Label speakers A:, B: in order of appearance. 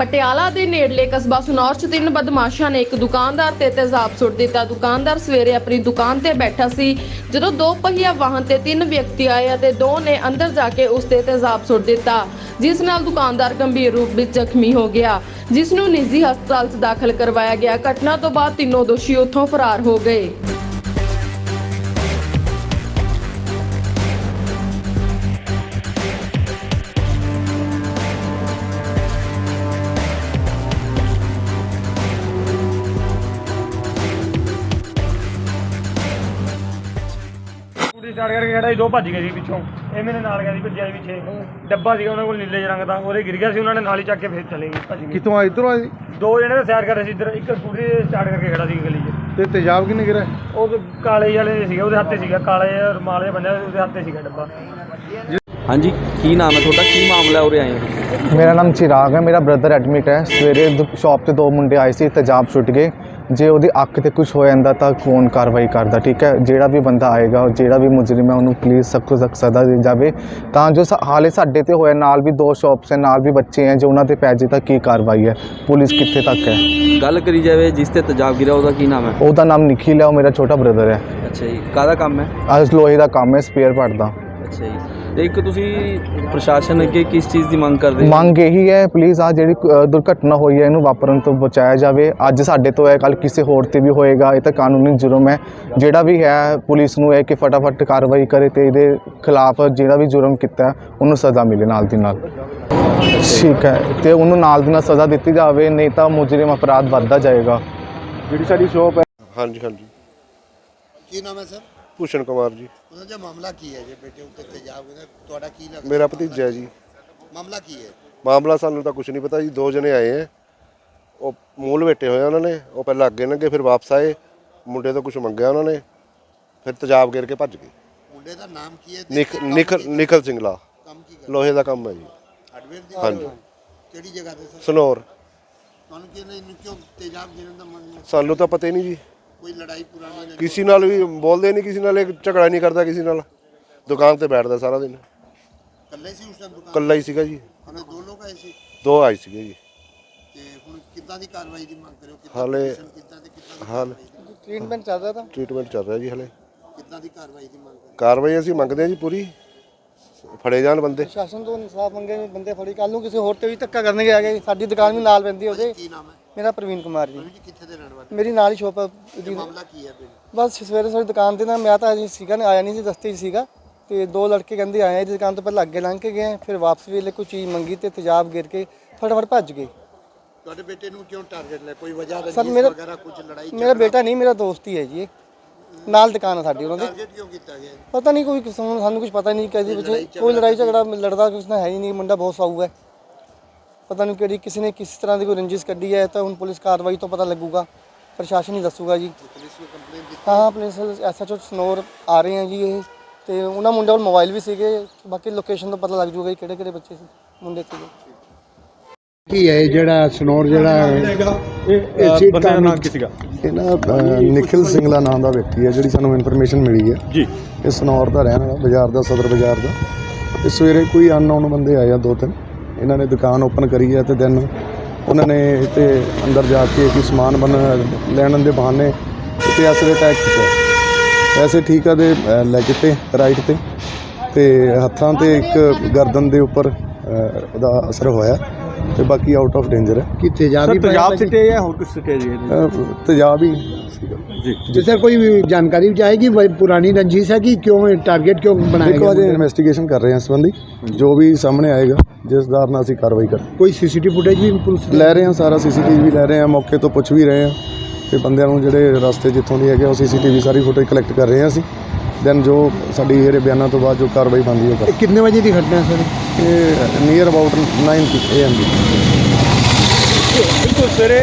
A: ਪਟਿਆਲਾ ਦੇ ਨੇੜਲੇ ਕਸਬਾ ਸਨੌਰ 'ਚ 3 ਬਦਮਾਸ਼ਾਂ ਨੇ ਇੱਕ ਦੁਕਾਨਦਾਰ ਤੇ ਤੇਜ਼ਾਬ ਸੁੱਟ ਦਿੱਤਾ। ਦੁਕਾਨਦਾਰ ਸਵੇਰੇ ਆਪਣੀ ਦੁਕਾਨ ਤੇ ਬੈਠਾ ਸੀ ਜਦੋਂ 2 ਪਹੀਆ ਵਾਹਨ ਤੇ 3 ਵਿਅਕਤੀ ਆਏ ਅਤੇ 2 ਨੇ ਅੰਦਰ ਜਾ ਕੇ ਉਸ ਤੇ ਤੇਜ਼ਾਬ ਸੁੱਟ ਦਿੱਤਾ, ਜਿਸ ਨਾਲ ਦੁਕਾਨਦਾਰ ਗੰਭੀਰ ਰੂਪ ਵਿੱਚ ਜ਼ਖਮੀ ਹੋ ਗਿਆ, ਜਿਸ ਨੂੰ ਨਿੱਜੀ ਹਸਪਤਾਲ 'ਚ ਦਾਖਲ ਕਰਵਾਇਆ ਗਿਆ। ਘਟਨਾ ਤੋਂ ਬਾਅਦ ਤਿੰਨੋਂ ਦੋਸ਼ੀ ਉੱਥੋਂ ਫਰਾਰ ਹੋ ਗਏ।
B: स्टार्ट करके खड़ा दो भज गए पिछों, ये मेरे नाल गया भज्या पिछे डब्बा सी उन्होंने को नीले रंग का, वो गिर गया, उन्होंने नाल ही चक के फिर चले गए भज गए।
C: कितों आए इधरों आए?
B: दो जने सैर कर रहे इधर, एक स्कूटी स्टार्ट करके खड़ा सी गली
C: ते तेजाब किने गिरा?
B: वो काले वाले सीगे, हत्थे सीगा काले रुमाल जिहा बंदा, उसदे हत्थे सीगा डब्बा।
D: हाँ जी, की नाम है थोड़ा, की मामला उरे आए हो?
C: मेरा नाम चिराग है, मेरा ब्रदर एडमिट है। सवेरे शॉप ते 2 मुंडे आए सी, तेजाब छुट गए। जे ਉਹਦੀ ਅੱਖ ਤੇ ਕੁਝ ਹੋ ਜਾਂਦਾ ਤਾਂ ਕੌਣ ਕਾਰਵਾਈ ਕਰਦਾ? ਠੀਕ ਹੈ, ਜਿਹੜਾ ਵੀ ਬੰਦਾ ਆਏਗਾ, ਜਿਹੜਾ ਵੀ ਮੁਜਰਮ ਹੈ, ਉਹਨੂੰ ਪਲੀਜ਼ ਸਖਤ ਤੋਂ ਸਖਤ ਸਜ਼ਾ ਦਿੱਤੀ ਜਾਵੇ, ਤਾਂ ਜੋ ਹਾਲੇ ਸਾਡੇ ਤੇ ਹੋਇਆ, ਨਾਲ ਵੀ 2 ਸ਼ਾਪਸ ਹੈ, ਨਾਲ ਵੀ ਬੱਚੇ ਹੈ, ਜੋ ਉਹਨਾਂ ਤੇ ਪੈ ਜੇ ਤਾਂ ਕੀ ਕਾਰਵਾਈ ਹੈ, ਪੁਲਿਸ ਕਿੱਥੇ ਤੱਕ ਹੈ?
D: ਗੱਲ ਕਰੀ ਜਾਵੇ ਜਿਸ ਤੇ ਤੇਜ਼ਾਬ ਗਿਰਾ ਉਹਦਾ ਕੀ ਨਾਮ ਹੈ?
C: ਉਹਦਾ ਨਾਮ ਨਿਖਿਲ ਹੈ, ਉਹ ਮੇਰਾ ਛੋਟਾ ਬ੍ਰਦਰ ਹੈ।
D: ਅੱਛਾ ਜੀ, ਕਾਹਦਾ ਕੰਮ ਹੈ?
C: ਅੱਜ ਲੋਹੇ ਦਾ ਕੰਮ ਹੈ, ਸਪੇਅਰ ਪਾਰਟ ਦਾ।
D: ਅੱਛਾ ਜੀ, ਤੇ ਇੱਕ ਤੁਸੀਂ ਪ੍ਰਸ਼ਾਸਨ ਅੱਗੇ ਕਿਸ ਚੀਜ਼ ਦੀ ਮੰਗ ਕਰਦੇ ਹੋ?
C: ਮੰਗ ਇਹੀ ਹੈ, ਪਲੀਜ਼ ਆ ਜਿਹੜੀ ਦੁਰਘਟਨਾ ਹੋਈ ਹੈ ਇਹਨੂੰ ਵਾਪਰਨ ਤੋਂ ਬਚਾਇਆ ਜਾਵੇ। ਅੱਜ ਸਾਡੇ ਤੋਂ ਹੈ, ਕੱਲ ਕਿਸੇ ਹੋਰ ਤੇ ਵੀ ਹੋਏਗਾ, ਇਹ ਤਾਂ ਕਾਨੂੰਨੀ ਜੁਰਮ ਹੈ। ਜਿਹੜਾ ਵੀ ਹੈ ਪੁਲਿਸ ਨੂੰ ਹੈ ਕਿ ਫਟਾਫਟ ਕਾਰਵਾਈ ਕਰੇ ਤੇ ਇਹਦੇ ਖਿਲਾਫ ਜਿਹੜਾ ਵੀ ਜੁਰਮ ਕੀਤਾ ਉਹਨੂੰ ਸਜ਼ਾ ਮਿਲੇ ਨਾਲ ਦੀ ਨਾਲ। ਠੀਕ ਹੈ, ਤੇ ਉਹਨੂੰ ਨਾਲ ਦੀ ਨਾਲ ਸਜ਼ਾ ਦਿੱਤੀ ਜਾਵੇ, ਨਹੀਂ ਤਾਂ ਮੁਜਰਮ ਅਪਰਾਧ ਵੱਧਦਾ ਜਾਏਗਾ। ਜਿਹੜੀ ਸਾਡੀ ਸ਼ੋਪ ਹੈ।
E: ਹਾਂਜੀ ਹਾਂਜੀ।
F: ਕੀ ਨਾਮ ਹੈ ਸਰ?
E: ਭੂਸ਼ਣ ਕੁਮਾਰ ਜੀ।
F: ਉਹਨਾਂ ਦਾ ਮਾਮਲਾ ਕੀ ਹੈ ਜੇ ਬੇਟੇ ਉੱਤੇ ਤੇਜ਼ਾਬ ਹੋਇਆ? ਤੁਹਾਡਾ ਕੀ ਲੱਗਦਾ?
E: ਮੇਰਾ ਭਤੀਜਾ ਹੈ ਜੀ।
F: ਮਾਮਲਾ ਕੀ ਹੈ?
E: ਮਾਮਲਾ ਸਾਨੂੰ ਤਾਂ ਕੁਝ ਨਹੀਂ ਪਤਾ ਜੀ। 2 ਜਣੇ ਆਏ ਹੈ, ਉਹ ਮੂਲ ਬੈਠੇ ਹੋਏ ਉਹਨਾਂ ਨੇ, ਉਹ ਪਹਿਲਾਂ ਅੱਗੇ ਲੰਘੇ ਫਿਰ ਵਾਪਸ ਆਏ, ਮੁੰਡੇ ਤੋਂ ਕੁਝ ਮੰਗਿਆ ਉਹਨਾਂ ਨੇ, ਫਿਰ ਤੇਜ਼ਾਬ ਗੇਰ ਕੇ ਭੱਜ ਗਏ।
F: ਮੁੰਡੇ ਦਾ ਨਾਮ ਕੀ ਹੈ?
E: ਨਿਖਲ ਸਿੰਘਲਾ।
F: ਕੰਮ ਕੀ ਕਰਦਾ?
E: ਲੋਹੇ ਦਾ ਕੰਮ ਹੈ ਜੀ।
F: ਹਾਰਡਵੇਅਰ ਦੀ?
E: ਹਾਂਜੀ।
F: ਕਿਹੜੀ ਜਗ੍ਹਾ ਤੇ ਸਰ?
E: ਸਨੌਰ।
F: ਤੁਹਾਨੂੰ ਕੀ ਨਹੀਂ ਕਿਉਂ ਤੇਜ਼ਾਬ ਗਿਰਨ ਦਾ ਮਨ?
E: ਸਾਨੂੰ ਤਾਂ ਪਤਾ ਹੀ ਨਹੀਂ ਜੀ।
F: ਕੋਈ ਲੜਾਈ ਪੁਰਾਣੀ ਨਹੀਂ?
E: ਕਿਸੇ ਨਾਲ ਵੀ ਬੋਲਦੇ ਨਹੀਂ, ਕਿਸੇ ਨਾਲ ਝਗੜਾ ਨਹੀਂ ਕਰਦਾ, ਕਿਸੇ ਨਾਲ ਦੁਕਾਨ ਤੇ ਬੈਠਦਾ ਸਾਰਾ ਦਿਨ।
F: ਇਕੱਲੇ ਸੀ ਉਸ ਟਾਈਮ ਦੁਕਾਨ?
E: ਇਕੱਲਾ ਹੀ ਸੀਗਾ ਜੀ।
F: ਉਹਨੇ 2 ਲੋਕ ਆਏ ਸੀ?
E: 2 ਆਏ ਸੀਗੇ ਜੀ।
F: ਤੇ ਹੁਣ ਕਿੱਦਾਂ ਦੀ ਕਾਰਵਾਈ ਦੀ ਮੰਗ ਕਰਿਓ?
E: ਹਾਲੇ
F: ਕਿੱਦਾਂ ਦੀ
E: ਹਾਲ
C: ਟ੍ਰੀਟਮੈਂਟ ਚੱਲ ਰਿਹਾ ਤਾਂ?
E: ਟ੍ਰੀਟਮੈਂਟ ਚੱਲ ਰਿਹਾ ਜੀ। ਹਲੇ
F: ਕਿੱਦਾਂ ਦੀ ਕਾਰਵਾਈ ਦੀ ਮੰਗ ਕਰਿਓ?
E: ਕਾਰਵਾਈ ਅਸੀਂ ਮੰਗਦੇ ਹਾਂ ਜੀ, ਪੂਰੀ ਫੜੇ ਜਾਣ ਬੰਦੇ।
C: ਪ੍ਰਸ਼ਾਸਨ ਤੋਂ ਇਨਸਾਫ ਮੰਗੇ, ਬੰਦੇ ਫੜੀ, ਕੱਲ ਨੂੰ ਕਿਸੇ ਹੋਰ ਤੇ ਵੀ ਧੱਕਾ ਕਰਨਗੇ ਆ ਗਏ। ਸਾਡੀ ਦੁਕਾਨ ਵੀ ਨਾਲ ਪੈਂਦੀ ਉਹਦੇ।
F: ਕੀ ਨਾਮ ਹੈ?
C: ਮੇਰਾ ਪ੍ਰਵੀਨ ਕੁਮਾਰ ਜੀ।
F: ਜੀ ਕਿੱਥੇ ਦੇ ਰਹਿਣ ਵਾਲੇ?
C: ਮੇਰੀ ਨਾਲ ਹੀ ਸ਼ੋਪ ਹੈ।
F: ਮਾਮਲਾ ਕੀ ਹੈ ਬੇਟੇ?
C: ਬਸ ਸਵੇਰੇ ਸਾਡੀ ਦੁਕਾਨ ਤੇ ਨਾ, ਮੈਂ ਤਾਂ ਅਜੇ ਸੀਗਾ ਨਹੀਂ, ਆਇਆ ਨਹੀਂ ਸੀ, ਰਸਤੇ 'ਚ ਸੀਗਾ, ਤੇ 2 ਲੜਕੇ ਕਹਿੰਦੇ ਆਏ ਇਹਦੀ ਦੁਕਾਨ ਤੋਂ ਪਹਿਲਾਂ ਅੱਗੇ ਲੰਘ ਕੇ ਗਏ, ਫਿਰ ਵਾਪਸ ਵੇਲੇ ਕੋਈ ਚੀਜ਼ ਮੰਗੀ ਤੇ ਤੇਜ਼ਾਬ ਗਿਰ ਕੇ ਫਟਾਫਟ ਭੱਜ ਗਏ।
F: ਤੁਹਾਡੇ ਬੇਟੇ ਨੂੰ ਕਿਉਂ ਟਾਰਗੇਟ ਲਿਆ? ਕੋਈ ਵਜ੍ਹਾ
C: ਸਰ
F: ਰੰਜਿਸ਼
C: ਮੇਰਾ
F: ਵਗੈਰਾ ਕੁਝ ਲੜਾਈ?
C: ਮੇਰਾ ਬੇਟਾ ਨਹੀਂ, ਮੇਰਾ ਦੋਸਤ ਹੀ ਹੈ ਜੀ। ਇਹ ਨਾਲ ਦੁਕਾਨ ਹੈ ਸਾਡੀ ਉਹਨਾਂ ਦੀ।
F: ਟਾਰਗੇਟ ਕਿਉਂ ਕੀਤਾ ਗਿਆ?
C: ਪਤਾ ਨਹੀਂ, ਕੋਈ ਸਾਨੂੰ ਕੁਝ ਪਤਾ ਨਹੀਂ ਕਿਹਦੇ ਵਿੱਚ ਕੋਈ ਲੜਾਈ ਝਗੜਾ ਲੜਦਾ ਕੁਛ ਨਾ ਹੈ ਹੀ ਨਹੀਂ। ਮੁੰਡਾ ਬਹੁਤ ਸਾਊ ਹੈ, ਪਤਾ ਨਹੀਂ ਕਿਹੜੀ ਕਿਸੇ ਨੇ ਕਿਸ ਤਰ੍ਹਾਂ ਦੀ ਕੋਈ ਰੰਜਿਸ਼ ਕੱਢੀ ਹੈ, ਤਾਂ ਹੁਣ ਪੁਲਿਸ ਕਾਰਵਾਈ ਤੋਂ ਪਤਾ ਲੱਗੂਗਾ, ਪ੍ਰਸ਼ਾਸਨ ਹੀ ਦੱਸੂਗਾ ਜੀ।
F: ਪੁਲਿਸ ਨੂੰ ਕੰਪਲੇਂਟ ਦਿੱਤੀ?
C: ਹਾਂ, ਪੁਲਿਸ ਐਸਐਚਓ ਸਨੌਰ ਆ ਰਹੇ ਆ ਜੀ ਇਹ, ਤੇ ਉਹਨਾਂ ਮੁੰਡਿਆਂ ਕੋਲ ਮੋਬਾਈਲ ਵੀ ਸੀਗੇ, ਬਾਕੀ ਲੋਕੇਸ਼ਨ ਤੋਂ ਪਤਾ ਲੱਗ ਜੂਗਾ ਕਿਹੜੇ ਕਿਹੜੇ ਬੱਚੇ ਸੀ, ਮੁੰਡੇ ਸੀਗੇ।
F: ਕੀ ਹੈ ਜਿਹੜਾ ਸਨੌਰ ਜਿਹੜਾ ਇਹ ਬੰਦੇ ਦਾ ਨਾਮ ਕੀ ਸੀਗਾ?
G: ਇਹ ਨਾ ਨਿਖਿਲ ਸਿੰਘਲਾ ਨਾਮ ਦਾ ਵਿਅਕਤੀ ਹੈ, ਜਿਹੜੀ ਸਾਨੂੰ ਇਨਫੋਰਮੇਸ਼ਨ ਮਿਲੀ ਹੈ ਜੀ। ਇਹ ਸਨੌਰ ਦਾ ਰਹਿਣ ਵਾਲਾ, ਬਾਜ਼ਾਰ ਦਾ, ਸਦਰ ਬਾਜ਼ਾਰ ਦਾ। ਇਹ ਸਵੇਰੇ ਕੋਈ ਅਨਨੋਨ ਬੰਦੇ ਆਏ ਆ 2-3, ਇਹਨਾਂ ਨੇ ਦੁਕਾਨ ਓਪਨ ਕਰੀ ਹੈ, ਤੇ ਦੈਨ ਉਹਨਾਂ ਨੇ ਇੱਥੇ ਅੰਦਰ ਜਾ ਕੇ ਕੋਈ ਸਮਾਨ ਲੈਣ ਦੇ ਬਹਾਨੇ ਇੱਥੇ ਐਸੇ ਅਟੈਕ ਕੀਤਾ। ਐਸੇ ਠੀਕ ਆ ਦੇ ਲੈ ਕੇ ਤੇ ਰਾਈਟ ਤੇ ਹੱਥਾਂ ਤੇ ਇੱਕ ਗਰਦਨ ਦੇ ਉੱਪਰ ਉਹਦਾ ਅਸਰ ਹੋਇਆ, ਤੇ ਬਾਕੀ ਆਊਟ ਆਫ ਡੇਂਜਰ ਹੈ।
F: ਕਿ ਤੇਜ਼ਾਬ
G: ਸਿੱਟੇ ਜਾਂ ਹੋਰ ਕੁਝ ਸਿੱਟੇ ਜੀ? ਤੇਜ਼ਾਬ ਹੀ ਸੀਗਾ
F: ਜੀ। ਸਰ ਕੋਈ ਜਾਣਕਾਰੀ ਵੀ ਆਏਗੀ ਪੁਰਾਣੀ ਰੰਜਿਸ਼ ਹੈ ਕਿ ਕਿਉਂ ਟਾਰਗੇਟ ਕਿਉਂ ਬਣਾਇਆ ਗਿਆ?
G: ਦੇਖੋ, ਅਜੇ ਇਨਵੈਸਟੀਗੇਸ਼ਨ ਕਰ ਰਹੇ ਹਾਂ ਇਸ ਸੰਬੰਧੀ, ਜੋ ਵੀ ਸਾਹਮਣੇ ਆਏਗਾ ਜਿਸ ਆਧਾਰ ਨਾਲ ਅਸੀਂ ਕਾਰਵਾਈ ਕਰ।
F: ਕੋਈ ਸੀਸੀਟੀਵੀ ਫੁਟੇਜ ਵੀ ਪੁਲਿਸ
G: ਲੈ ਰਹੇ ਹਾਂ, ਸਾਰਾ ਸੀਸੀਟੀਵੀ ਵੀ ਲੈ ਰਹੇ ਹਾਂ, ਮੌਕੇ ਤੋਂ ਪੁੱਛ ਵੀ ਰਹੇ ਹਾਂ, ਤੇ ਬੰਦਿਆਂ ਨੂੰ ਜਿਹੜੇ ਰਸਤੇ ਜਿੱਥੋਂ ਦੀ ਹੈਗੇ ਉਹ ਸੀਸੀਟੀਵੀ ਸਾਰੀ ਫੁਟੇਜ ਕਲੈਕਟ ਕਰ ਰਹੇ ਹਾਂ ਅਸੀਂ। ਦੈਨ ਜੋ ਸਾਡੀ ਇਹਦੇ ਬਿਆਨਾਂ ਤੋਂ ਬਾਅਦ ਜੋ ਕਾਰਵਾਈ ਬਣਦੀ ਹੈ।
F: ਕਿੰਨੇ ਵਜੇ ਦੀ ਘਟਨਾ ਹੈ ਸਰ?
G: ਇਹ ਨੀਅਰ ਅਬਾਊਟ 9 AM ਦੀ।
B: ਬਿਲਕੁਲ ਸਵੇਰੇ